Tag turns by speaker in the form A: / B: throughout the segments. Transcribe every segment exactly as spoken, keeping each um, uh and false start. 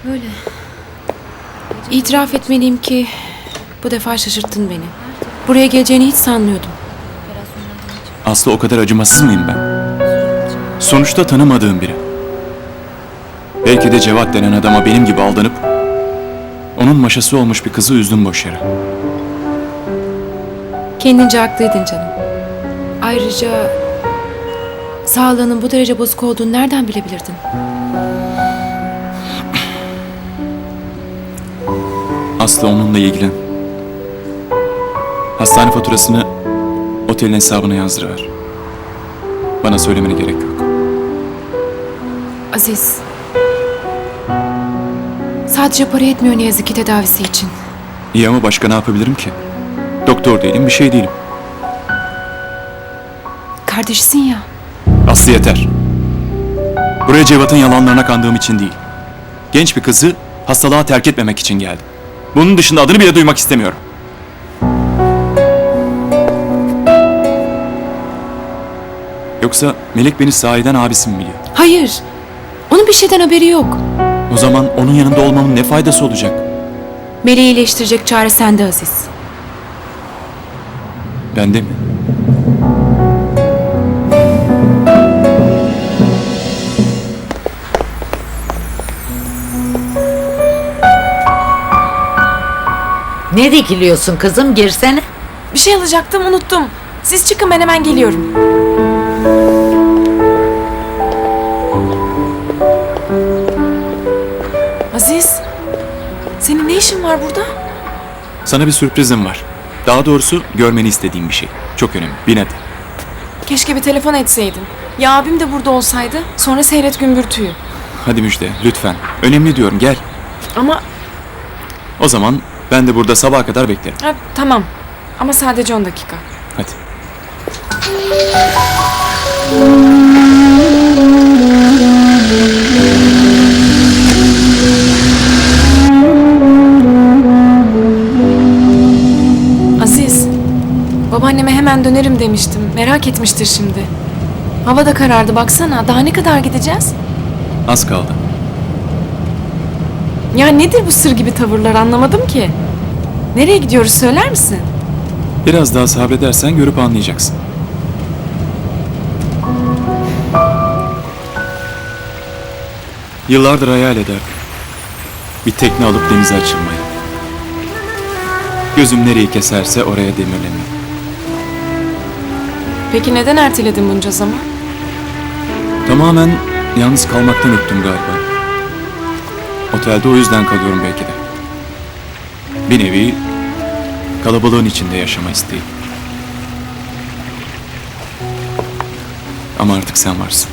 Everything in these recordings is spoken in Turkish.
A: Öyle. İtiraf etmeliyim ki bu defa şaşırttın beni. Buraya geleceğini hiç sanmıyordum.
B: Aslı, o kadar acımasız mıyım ben? Sonuçta tanımadığım biri. Belki de Cevat denen adama benim gibi aldanıp onun maşası olmuş bir kızı üzdüm boş yere.
A: Kendince haklıydın canım. Ayrıca sağlığının bu derece bozuk olduğunu nereden bilebilirdin?
B: Aslı, onunla ilgilen. Hastane faturasını otelin hesabına yazdırıver. Bana söylemene gerek yok.
A: Aziz. Sadece para yetmiyor ne yazık ki tedavisi için.
B: İyi ama başka ne yapabilirim ki? Doktor değilim, bir şey değilim.
A: Kardeşisin ya.
B: Aslı, yeter. Buraya Cevat'ın yalanlarına kandığım için değil. Genç bir kızı hastalığa terk etmemek için geldim. Bunun dışında adını bile duymak istemiyorum. Yoksa Melek beni sahiden abisi mi biliyor?
A: Hayır. Onun bir şeyden haberi yok.
B: O zaman onun yanında olmamın ne faydası olacak?
A: Meleği iyileştirecek çare sende Aziz.
B: Bende mi?
C: Ne dikiliyorsun kızım, girsene.
D: Bir şey alacaktım, unuttum. Siz çıkın, ben hemen geliyorum. Aziz, senin ne işin var burada?
B: Sana bir sürprizim var. Daha doğrusu görmeni istediğim bir şey. Çok önemli. Bin hadi.
D: Keşke bir telefon etseydin. Ya abim de burada olsaydı, sonra seyret gümbürtüyü.
B: Hadi Müjde, lütfen. Önemli diyorum, gel.
D: Ama
B: O zaman ben de burada sabaha kadar beklerim.
D: ha, tamam. Ama sadece on dakika.
B: Hadi.
D: Aziz, babaanneme hemen dönerim demiştim. Merak etmiştir şimdi. Hava da karardı, baksana. Daha ne kadar gideceğiz?
B: Az kaldı.
D: Ya nedir bu sır gibi tavırlar, anlamadım ki. Nereye gidiyoruz, söyler misin?
B: Biraz daha sabredersen görüp anlayacaksın. Yıllardır hayal ederdim. Bir tekne alıp denize açılmayı. Gözüm nereyi keserse oraya demirlemeyi.
D: Peki neden erteledin bunca zaman?
B: Tamamen yalnız kalmaktan öptüm galiba. Otelde o yüzden kalıyorum belki de. Bir nevi kalabalığın içinde yaşama isteği. Ama artık sen varsın.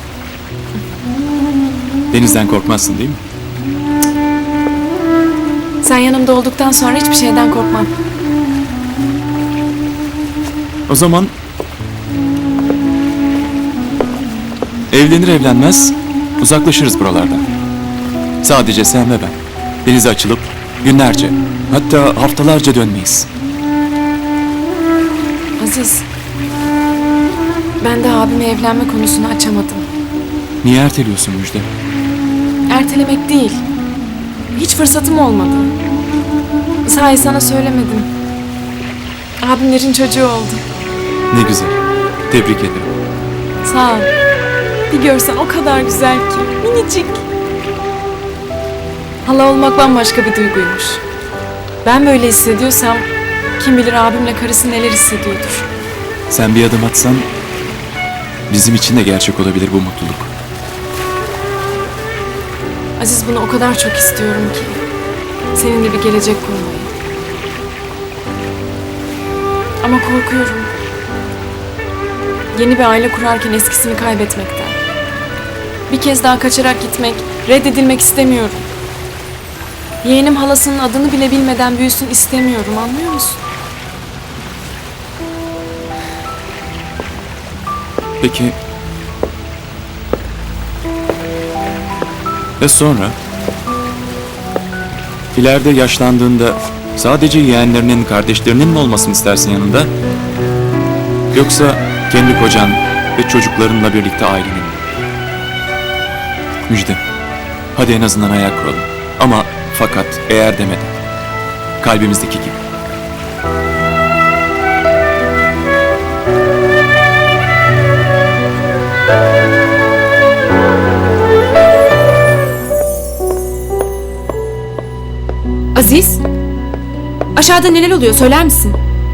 B: Denizden korkmazsın değil mi?
D: Sen yanımda olduktan sonra hiçbir şeyden korkmam.
B: O zaman evlenir evlenmez uzaklaşırız buralardan. Sadece sen ve ben. Denize açılıp günlerce, hatta haftalarca dönmeyiz.
D: Aziz, ben de abime evlenme konusunu açamadım.
B: Niye erteliyorsun Müjde?
D: Ertelemek değil. Hiç fırsatım olmadı. Sahi sana söylemedim. Abimlerin çocuğu oldu.
B: Ne güzel. Tebrik ederim.
D: Sağ ol. Bir görsen o kadar güzel ki. Minicik. Hala olmak bambaşka bir duyguymuş. Ben böyle hissediyorsam kim bilir abimle karısı neler hissediyordur.
B: Sen bir adım atsan bizim için de gerçek olabilir bu mutluluk.
D: Aziz, bunu o kadar çok istiyorum ki. Seninle bir gelecek kurmayı. Ama korkuyorum. Yeni bir aile kurarken eskisini kaybetmekten. Bir kez daha kaçarak gitmek, reddedilmek istemiyorum. Yeğenim halasının adını bile bilmeden büyüsün istemiyorum, anlıyor musun?
B: Peki ve sonra? İleride yaşlandığında sadece yeğenlerinin, kardeşlerinin mi olmasını istersin yanında? Yoksa kendi kocan ve çocuklarınla birlikte ailenin mi? Müjde, hadi en azından hayal kuralım. Ama fakat eğer demeden. Kalbimizdeki gibi.
A: Aziz, aşağıda neler oluyor söyler misin?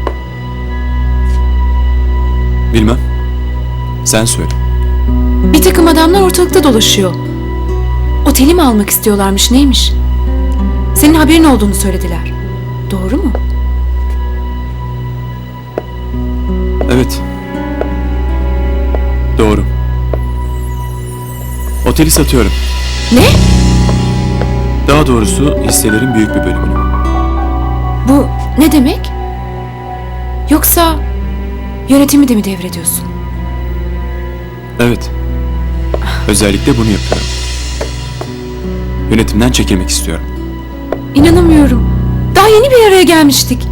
B: Bilmem. Sen söyle.
A: Bir takım adamlar ortalıkta dolaşıyor. Oteli mi almak istiyorlarmış neymiş? Senin haberin olduğunu söylediler. Doğru mu?
B: Evet. Doğru. Oteli satıyorum.
A: Ne?
B: Daha doğrusu hisselerin büyük bir bölümünü.
A: Bu ne demek? Yoksa yönetimi de mi devrediyorsun?
B: Evet. Özellikle bunu yapıyorum. Yönetimden çekilmek istiyorum.
A: İnanamıyorum. Daha yeni bir araya gelmiştik.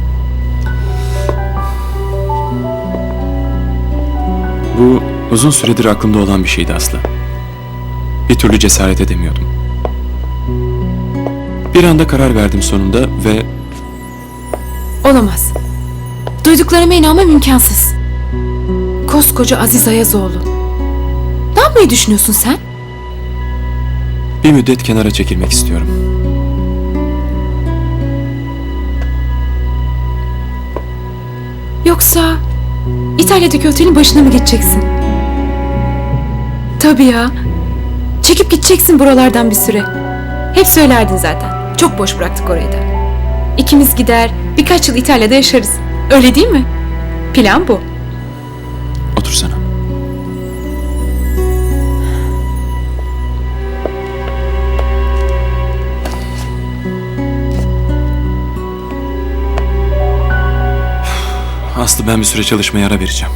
B: Bu uzun süredir aklımda olan bir şeydi Aslı. Bir türlü cesaret edemiyordum. Bir anda karar verdim sonunda ve
A: Olamaz. Duyduklarıma inanmam imkansız. Koskoca Aziz Ayazoğlu. Ne yapmayı düşünüyorsun sen?
B: bir müddet kenara çekilmek istiyorum.
A: Yoksa İtalya'daki otelin başına mı geçeceksin? Tabii ya. Çekip gideceksin buralardan bir süre. Hep söylerdin zaten. Çok boş bıraktık orayı da. İkimiz gider, birkaç yıl İtalya'da yaşarız. Öyle değil mi? Plan bu.
B: Otursana. Aslı, ben bir süre çalışmaya ara vereceğim.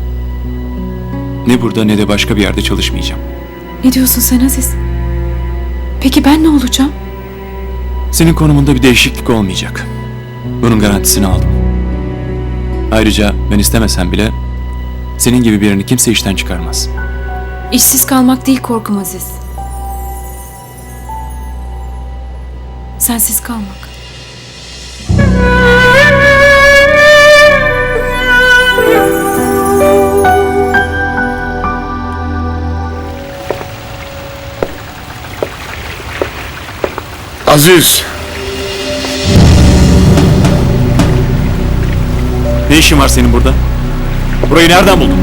B: Ne burada ne de başka bir yerde çalışmayacağım.
A: Ne diyorsun sen Aziz? Peki ben ne olacağım?
B: Senin konumunda bir değişiklik olmayacak. Bunun garantisini aldım. Ayrıca ben istemesem bile senin gibi birini kimse işten çıkarmaz.
A: İşsiz kalmak değil korkum Aziz. Sensiz kalmak.
E: Aziz,
B: Ne işin var senin burada? Burayı nereden buldun?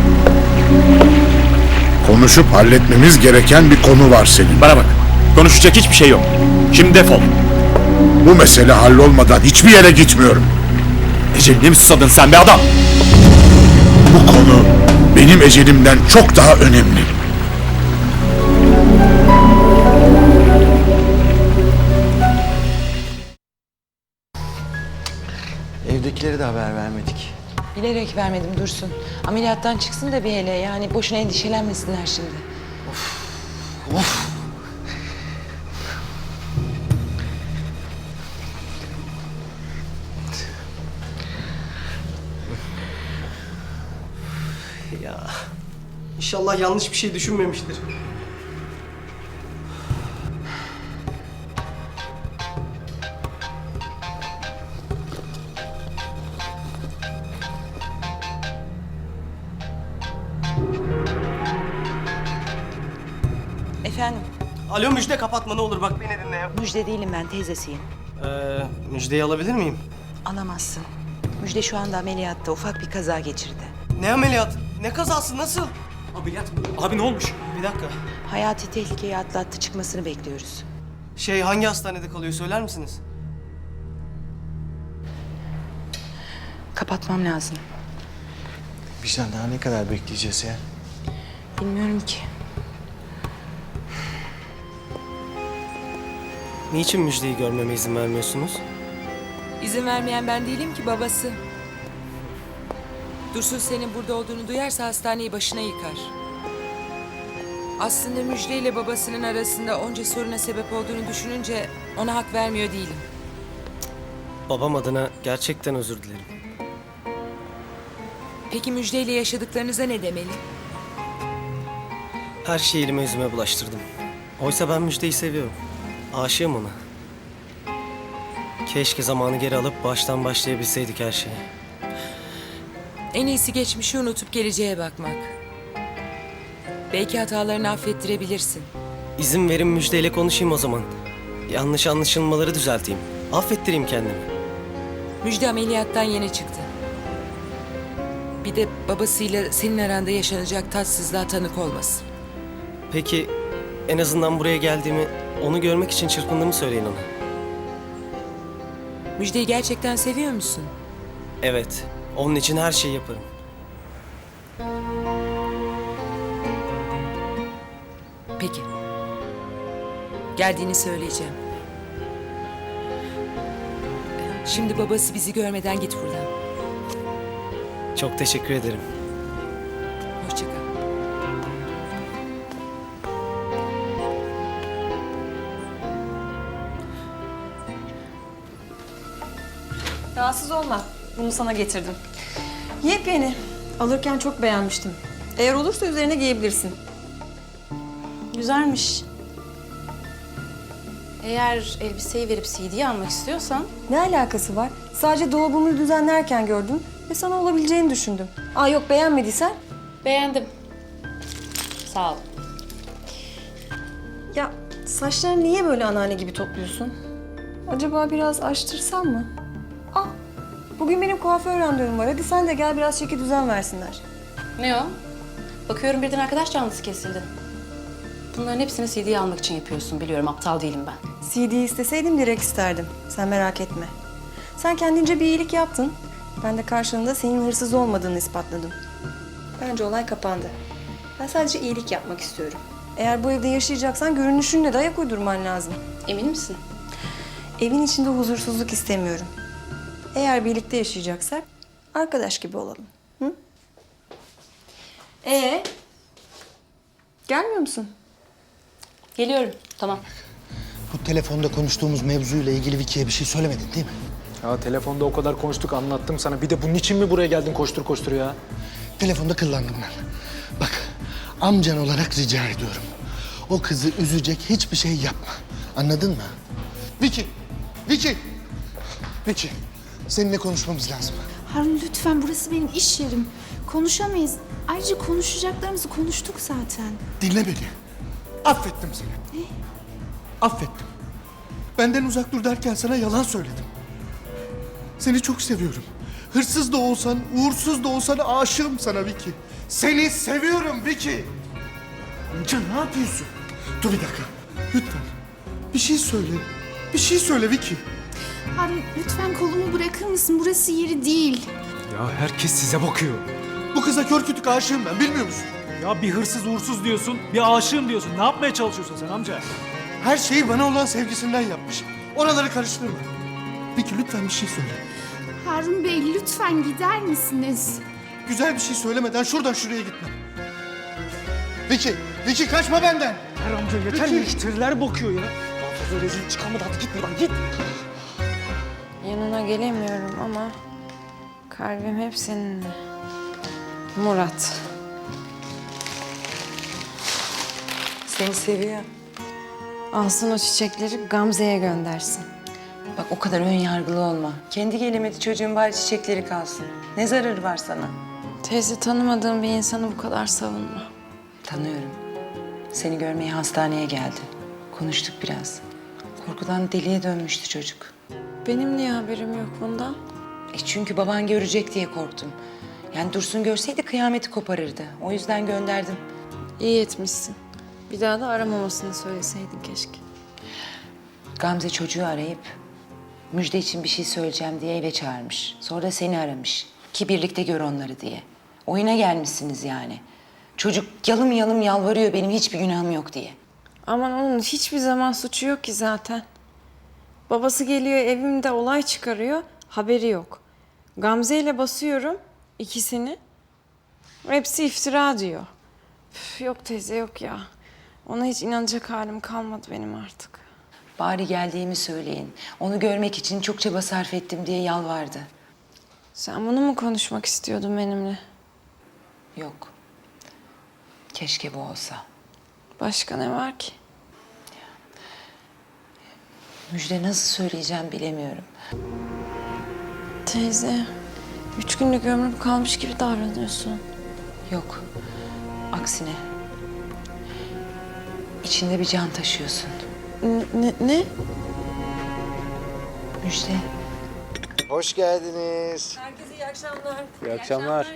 E: konuşup halletmemiz gereken bir konu var senin.
B: Bana bak. Konuşacak hiçbir şey yok. Şimdi defol.
E: Bu mesele hallolmadan hiçbir yere gitmiyorum.
B: Eceline mi susadın sen be adam?
E: Bu konu benim ecelimden çok daha önemli.
F: Evdekilere de haber vermedik.
G: Bilerek vermedim Dursun. Ameliyattan çıksın da bir hele. Yani boşuna endişelenmesinler şimdi.
H: Ya inşallah yanlış bir şey düşünmemiştir.
G: Efendim,
H: Alo Müjde, kapatma ne olur, bak beni dinle ya.
G: Müjde değilim ben, teyzesiyim.
H: Ee, Müjde'yi alabilir miyim?
G: Alamazsın. Müjde şu anda ameliyatta, ufak bir kaza geçirdi.
H: Ne ameliyat? Ne kazası, nasıl?
B: Ameliyat mı? Abi ne olmuş?
H: Bir dakika.
G: Hayati tehlikeyi atlattı, çıkmasını bekliyoruz.
H: Şey, hangi hastanede kalıyor söyler misiniz?
G: Kapatmam lazım.
F: Bizden daha ne kadar bekleyeceğiz ya?
G: Bilmiyorum ki.
H: Niçin Müjde'yi görmeme izin vermiyorsunuz?
I: İzin vermeyen ben değilim ki, babası. Dursun senin burada olduğunu duyarsa hastaneyi başına yıkar. Aslında Müjde ile babasının arasında onca soruna sebep olduğunu düşününce ona hak vermiyor değilim.
H: Babam adına gerçekten özür dilerim.
I: Peki Müjde ile yaşadıklarınıza ne demeli?
H: Her şeyi elime yüzüme bulaştırdım. Oysa ben Müjde'yi seviyorum. Aşığım ona. Keşke zamanı geri alıp baştan başlayabilseydik her şeye.
I: En iyisi geçmişi unutup geleceğe bakmak. Belki hatalarını affettirebilirsin.
H: İzin verin Müjde'yle konuşayım o zaman. Yanlış anlaşılmaları düzelteyim. Affettireyim kendimi.
I: Müjde ameliyattan yeni çıktı. Bir de babasıyla senin aranda yaşanacak tatsızlığa tanık olmasın.
H: Peki en azından buraya geldiğimi, onu görmek için çırpındığımı söyleyin ona.
I: Müjdeyi gerçekten seviyor musun?
H: Evet, onun için her şeyi yaparım.
I: Peki. Geldiğini söyleyeceğim. Şimdi babası bizi görmeden git buradan.
H: Çok teşekkür ederim.
I: Hoşça kal.
J: Rahatsız olma. Bunu sana getirdim. Yepyeni. Alırken çok beğenmiştim. Eğer olursa üzerine giyebilirsin.
K: Güzelmiş. Eğer elbiseyi verip C D'yi almak istiyorsan...
J: Ne alakası var? Sadece dolabımı düzenlerken gördüm ve sana olabileceğini düşündüm. Aa yok, beğenmediysen?
K: Beğendim. Sağ ol.
J: Ya saçlarını niye böyle anneanne gibi topluyorsun? Acaba biraz açtırsam mı? Aa, bugün benim kuaför randevum var. Hadi sen de gel, biraz çeki düzen versinler.
K: Ne o? Bakıyorum birden arkadaş canlısı kesildi. Bunların hepsini C D'yi almak için yapıyorsun. Biliyorum, aptal değilim ben.
J: C D isteseydim direkt isterdim. Sen merak etme. Sen kendince bir iyilik yaptın. Ben de karşılığında senin hırsız olmadığını ispatladım. Bence olay kapandı. Ben sadece iyilik yapmak istiyorum. Eğer bu evde yaşayacaksan görünüşünle de ayak uydurman lazım.
K: Emin misin?
J: Evin içinde huzursuzluk istemiyorum. Eğer birlikte yaşayacaksak arkadaş gibi olalım. Hı? Ee? Gelmiyor musun?
K: Geliyorum. Tamam.
F: Bu telefonda konuştuğumuz mevzuyla ilgili Vicky'ye bir şey söylemedin değil mi?
L: Ya telefonda o kadar konuştuk, anlattım sana. Bir de bunun için mi buraya geldin koştur koştur ya?
F: Telefonda kıllandım ben. Bak, amcan olarak rica ediyorum. O kızı üzecek hiçbir şey yapma. Anladın mı? Vicky! Vicky! Vicky, seninle konuşmamız lazım.
M: Harun lütfen, burası benim iş yerim. Konuşamayız. Ayrıca konuşacaklarımızı konuştuk zaten.
F: Dinle beni. Affettim seni.
M: Ne?
F: Affettim. Benden uzak dur derken sana yalan söyledim. Seni çok seviyorum. Hırsız da olsan, uğursuz da olsan aşığım sana Vicky. Seni seviyorum Vicky. Amca ne yapıyorsun? Dur bir dakika. Lütfen. Bir şey söyle. Bir şey söyle Vicky.
M: Harun lütfen kolumu bırakır mısın? Burası yeri değil.
L: Ya herkes size bakıyor.
F: Bu kıza kör kütük aşığım ben, bilmiyor musun?
L: Ya bir hırsız uğursuz diyorsun, bir aşığım diyorsun. Ne yapmaya çalışıyorsun sen amca?
F: Her şeyi bana olan sevgisinden yapmış. Oraları karıştırma. Vicky lütfen bir şey söyle.
M: Harun Bey lütfen gider misiniz?
F: Güzel bir şey söylemeden şuradan şuraya gitme. Vicky, Vicky kaçma benden.
L: Her amca yeter,
F: Peki.
L: müşteriler bakıyor ya. Daha fazla rezil çıkamadı, hadi git buradan git.
J: Yanına gelemiyorum ama kalbim hep seninle. Murat.
G: Seni seviyor.
J: Alsın o çiçekleri, Gamze'ye göndersin.
G: Bak o kadar ön yargılı olma. Kendi gelemedi çocuğun, bari çiçekleri kalsın. Ne zararı var sana?
J: Teyze, tanımadığım bir insanı bu kadar savunma.
G: Tanıyorum. Seni görmeye hastaneye geldi. Konuştuk biraz. Korkudan deliye dönmüştü çocuk.
J: Benim niye haberim yok bundan?
G: E çünkü baban görecek diye korktum. Yani Dursun görseydi kıyameti koparırdı. O yüzden gönderdim.
J: İyi etmişsin. Bir daha da aramamasını söyleseydin keşke.
G: Gamze çocuğu arayıp Müjde için bir şey söyleyeceğim diye eve çağırmış. Sonra da seni aramış ki birlikte gör onları diye. Oyuna gelmişsiniz yani. Çocuk yalım yalım yalvarıyor benim hiçbir günahım yok diye.
J: Aman onun hiçbir zaman suçu yok ki zaten. Babası geliyor evimde olay çıkarıyor, haberi yok. Gamze ile basıyorum ikisini. Hepsi iftira diyor. Üf, yok teyze yok ya. Ona hiç inanacak halim kalmadı benim artık.
G: Bari geldiğimi söyleyin. Onu görmek için çok çaba sarf ettim diye yalvardı.
J: Sen bunu mu konuşmak istiyordun benimle?
G: Yok. Keşke bu olsa.
J: Başka ne var ki?
G: Müjde nasıl söyleyeceğim bilemiyorum.
J: Teyze, üç günlük ömrüm kalmış gibi davranıyorsun.
G: Yok. Aksine. İçinde bir can taşıyorsun.
J: Ne? ne?
G: Müjde.
N: Hoş geldiniz.
J: Herkese iyi akşamlar.
L: İyi akşamlar.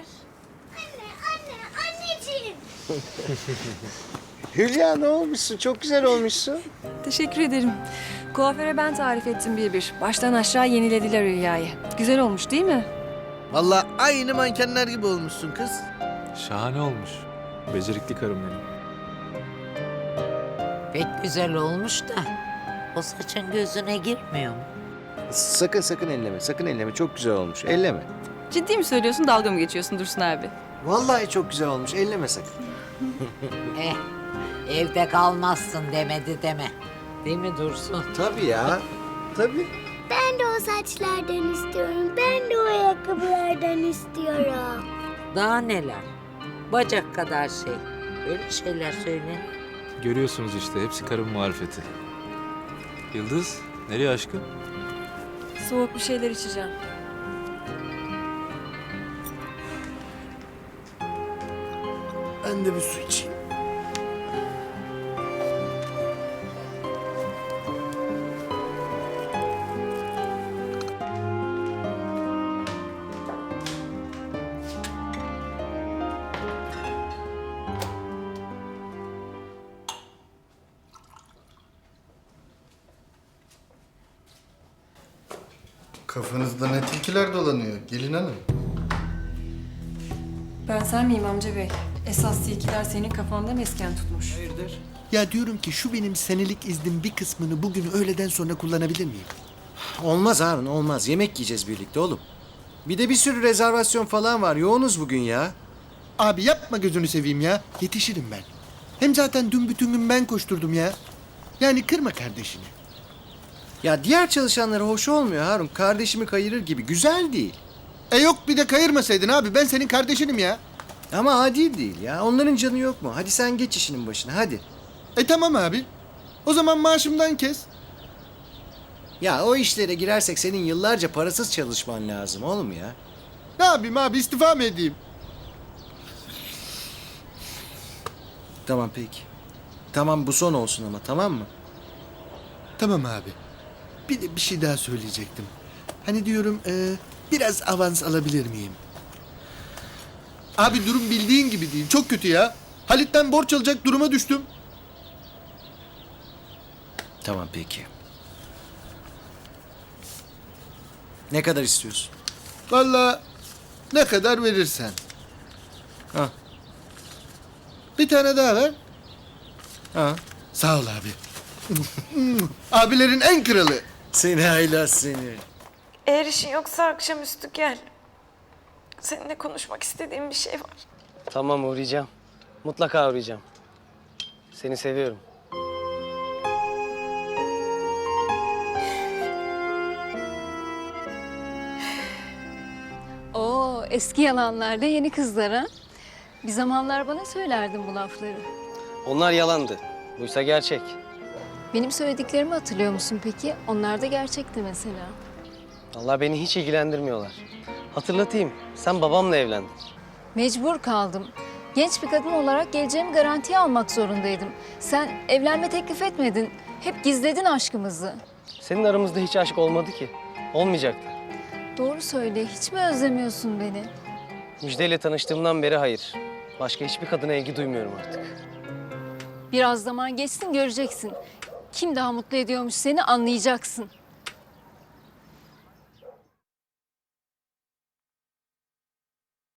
N: Hülya ne olmuşsun? Çok güzel olmuşsun.
J: Teşekkür ederim. Kuaföre ben tarif ettim bir bir. Baştan aşağı yenilediler Hülya'yı. Güzel olmuş değil mi?
N: Vallahi aynı mankenler gibi olmuşsun kız.
L: Şahane olmuş. Becerikli karım benim.
C: Pek güzel olmuş da o saçın gözüne girmiyor mu?
N: Sakın sakın elleme, sakın elleme. Çok güzel olmuş. Elleme.
J: Ciddi mi söylüyorsun, dalga mı geçiyorsun Dursun abi?
N: Vallahi çok güzel olmuş. Elleme sakın.
C: Eh, evde kalmazsın demedi deme. Değil mi Dursun?
N: Tabii ya. Tabii.
M: Ben de o saçlardan istiyorum. Ben de o ayakkabılardan istiyorum.
C: Daha neler? Bacak kadar şey. Öyle şeyler söyle.
L: Görüyorsunuz işte hepsi karın marifeti. Yıldız, nereye aşkım?
J: Soğuk bir şeyler içeceğim.
N: Ben de bir su içeyim.
F: Kafanızda ne tilkiler dolanıyor gelin hanım.
J: Ben sen miyim amca bey? Esas tilkiler senin kafanda mesken tutmuş.
F: Ya diyorum ki şu benim senelik iznin bir kısmını bugün öğleden sonra kullanabilir miyim?
N: Olmaz Harun, olmaz. Yemek yiyeceğiz birlikte oğlum. Bir de bir sürü rezervasyon falan var. Yoğunuz bugün ya.
F: Abi yapma gözünü seveyim ya. Yetişirim ben. Hem zaten dün bütün gün ben koşturdum ya. Yani kırma kardeşini.
N: Ya diğer çalışanlara hoş olmuyor Harun. Kardeşimi kayırır gibi. Güzel değil.
F: E yok bir de kayırmasaydın abi. Ben senin kardeşinim ya.
N: Ama adil değil ya. Onların canı yok mu? Hadi sen geç işinin başına hadi.
F: E tamam abi. O zaman maaşımdan kes.
N: Ya o işlere girersek senin yıllarca parasız çalışman lazım oğlum ya.
F: Ne yapayım abi istifa mı edeyim?
N: Tamam peki. Tamam bu son olsun ama tamam mı?
F: Tamam abi. Bir de bir şey daha söyleyecektim. Hani diyorum e, biraz avans alabilir miyim? Abi durum bildiğin gibi değil. Çok kötü ya. Halit'ten borç alacak duruma düştüm.
N: Tamam peki. Ne kadar istiyorsun?
F: Vallahi ne kadar verirsen.
N: Ha.
F: Bir tane daha ver.
N: Ha.
F: Sağ ol abi. Abilerin en kralı.
N: Seni haylaz seni.
J: Eğer işin yoksa akşamüstü gel. Seninle konuşmak istediğim bir şey var.
H: Tamam uğrayacağım. Mutlaka uğrayacağım. Seni seviyorum.
O: Oo, eski yalanlarda yeni kızlara. Bir zamanlar bana söylerdin bu lafları.
H: Onlar yalandı. Buysa gerçek.
O: Benim söylediklerimi hatırlıyor musun peki? Onlar da gerçekti mesela.
H: Allah beni hiç ilgilendirmiyorlar. Hatırlatayım. Sen babamla evlendin.
O: Mecbur kaldım. Genç bir kadın olarak geleceğimi garantiye almak zorundaydım. Sen evlenme teklif etmedin. Hep gizledin aşkımızı.
H: Senin aramızda hiç aşk olmadı ki. Olmayacaktı.
O: Doğru söyle, hiç mi özlemiyorsun beni?
H: Müjde ile tanıştığımdan beri hayır. Başka hiçbir kadına ilgi duymuyorum artık.
O: Biraz zaman geçsin göreceksin. Kim daha mutlu ediyormuş seni anlayacaksın.